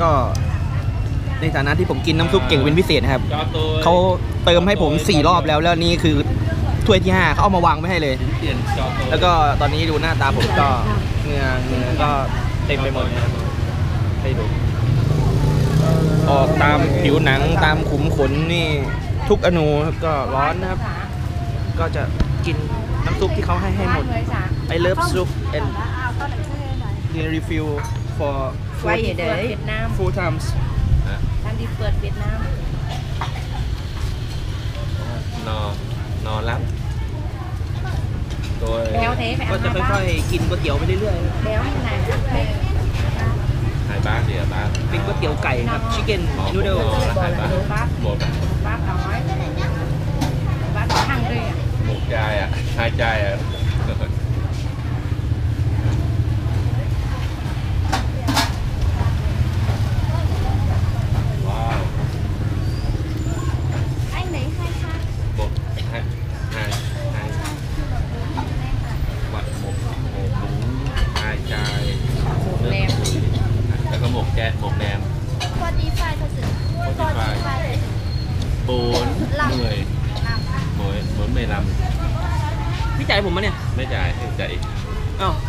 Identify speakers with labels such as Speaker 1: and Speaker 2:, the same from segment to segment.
Speaker 1: ก็ในฐานะที่ผมกินน้ำซุปเก่งเป็นพิเศษนะครับเขาเติมให้ผม4 รอบแล้วนี่คือถ้วยที่5เขาเอามาวางไว้ให้เลยแล้วก็ตอนนี้ดูหน้าตาผมก็เหงื่อก็เต็มไปหมดให้ดูออกตามผิวหนังตามขุมขนนี่ทุกอนูก็ร้อนนะครับก็จะกินน้ำซุปที่เขาให้หมด I love soup and the refill for full times
Speaker 2: ทำดีเปิดเวียดนาม
Speaker 3: นอรับตัว
Speaker 1: ก็จะค่อยๆกินก๋วยเตี๋ยวไปเรื่อย
Speaker 2: ๆแล้วนี่นะ
Speaker 3: ไข่บ้านเดี๋ยวบ้าน
Speaker 1: เป็นก๋วยเตี๋ยวไก่ครับชิคเก้นนูเดิล
Speaker 3: ไข่บ้านหมด
Speaker 2: บ้านน้อยบ้านข้างด้วย
Speaker 3: หมกใจอ่ะหายใจอ่ะหมกแหนม
Speaker 4: พอดีไฟเขาสึก
Speaker 3: พอดีไฟปูนเหนื่อยหมวยไม่ล
Speaker 1: ำพี่จ่ายผมมั้ยเนี่ย
Speaker 3: ไม่จ่ายจ่ายอีก
Speaker 1: อ้าว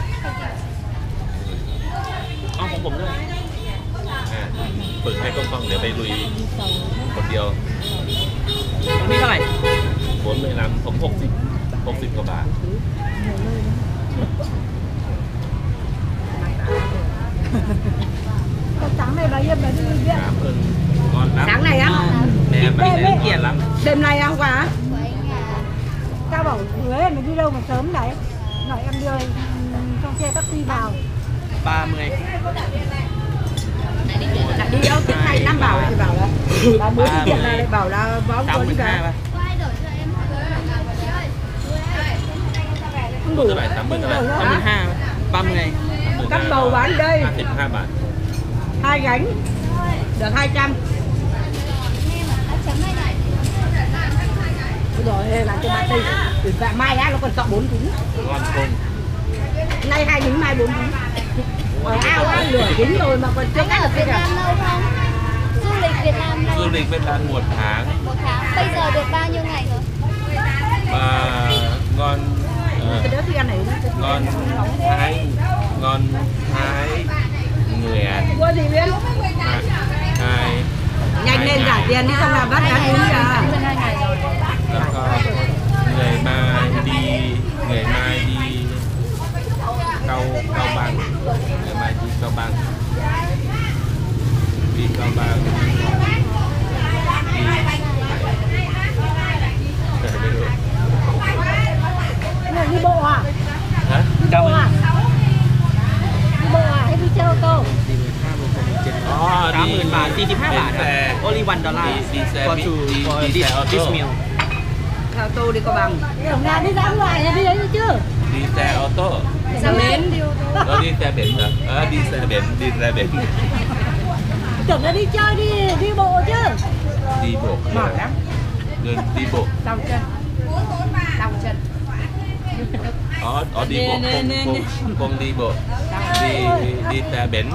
Speaker 1: ของผมด้วย
Speaker 3: ฝึกให้กล้องเดี๋ยวไปลุยคนเดียว
Speaker 1: นี่เท่าไหร่
Speaker 3: หมวยไม่ลำผม60 กว่าบาท
Speaker 2: sáng này bao nhiêu mà đi viện
Speaker 3: sáng này
Speaker 2: á đêm này không quá tao bảo Huế mày đi đâu mà sớm đấy nói em đưa trong xe taxi vào
Speaker 1: 30
Speaker 2: lại đi đâu cái này Nam bảo thì bảo là bà mới đi viện này lại bảo là báo có đi cả
Speaker 3: không đủ
Speaker 1: 82 30
Speaker 2: cắt bầu bán đây
Speaker 3: 52 bát
Speaker 2: 2 gánh được 200 rồi làm cho bà Tây dạ mai á nó còn chọn 4 trứng
Speaker 3: ngon không
Speaker 2: nay 2 trứng mai 4 trứng ở ao á lửa trứng rồi mà còn chưa cắt được
Speaker 4: Việt Nam lâu không du lịch Việt Nam lâu
Speaker 3: du lịch Việt Nam 1 tháng
Speaker 4: bây giờ được bao nhiêu ngày rồi
Speaker 3: ngon ngon Thái người
Speaker 2: mua gì biết nhanh lên trả tiền đi xong là bắt cá uống kìa
Speaker 3: người mai đi Cao Bằng ngày mai đi Cao Bằng
Speaker 2: đi bộ à?
Speaker 3: Hả?
Speaker 2: Đi bộ à? Đi bộ à? Hay đi xe ô tô?
Speaker 1: 30,000 บาท 45 บาท only $1 for this meal
Speaker 2: xe ô tô đi Cao Bằng ở nhà đi ra ngoài đi đấy chứ
Speaker 3: đi xe ô tô
Speaker 2: xe bến
Speaker 3: nó đi xe biển hả? Đi xe biển
Speaker 2: tưởng là đi chơi đi bộ chứ
Speaker 3: đi bộ mỏi lắm đi bộ
Speaker 2: đau chân
Speaker 3: đi bộ không đi bộ đi xe biển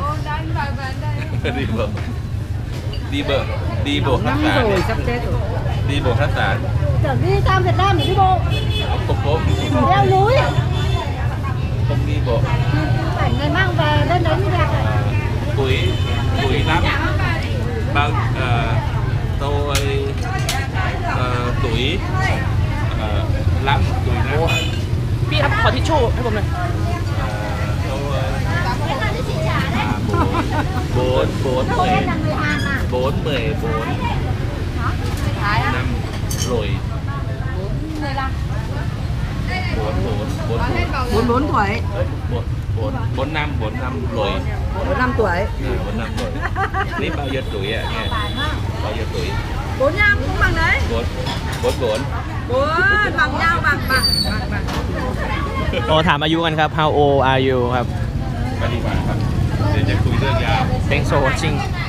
Speaker 3: đi bộ khách sạn
Speaker 2: rồi sắp chết rồi
Speaker 3: đi bộ khách sạn
Speaker 2: tưởng đi sang Việt Nam để đi bộ
Speaker 3: không
Speaker 2: leo núi
Speaker 3: không đi bộ
Speaker 2: phải người mang về lên đấy mới đẹp
Speaker 3: tuổi lắm bao tôi tuổi lắm
Speaker 1: พี่ครับขอทิชชู่ให้ผมหน่อย
Speaker 3: bốn mười năm rồi
Speaker 2: 44 tuổi
Speaker 3: 4 năm rồi
Speaker 2: 4 năm tuổi
Speaker 3: 4 năm rồi Ní bao nhiêu tuổi ạ nghe bao nhiêu tuổi
Speaker 2: 45 cũng bằng đấy
Speaker 3: 44
Speaker 2: bằng nhau bằng
Speaker 1: โอ้ถามอายุกันครับ How old are you ครับ
Speaker 3: ไปดีกว่าครับเดี๋ยวจะคุยเรื่องยาว
Speaker 1: Thanks for watching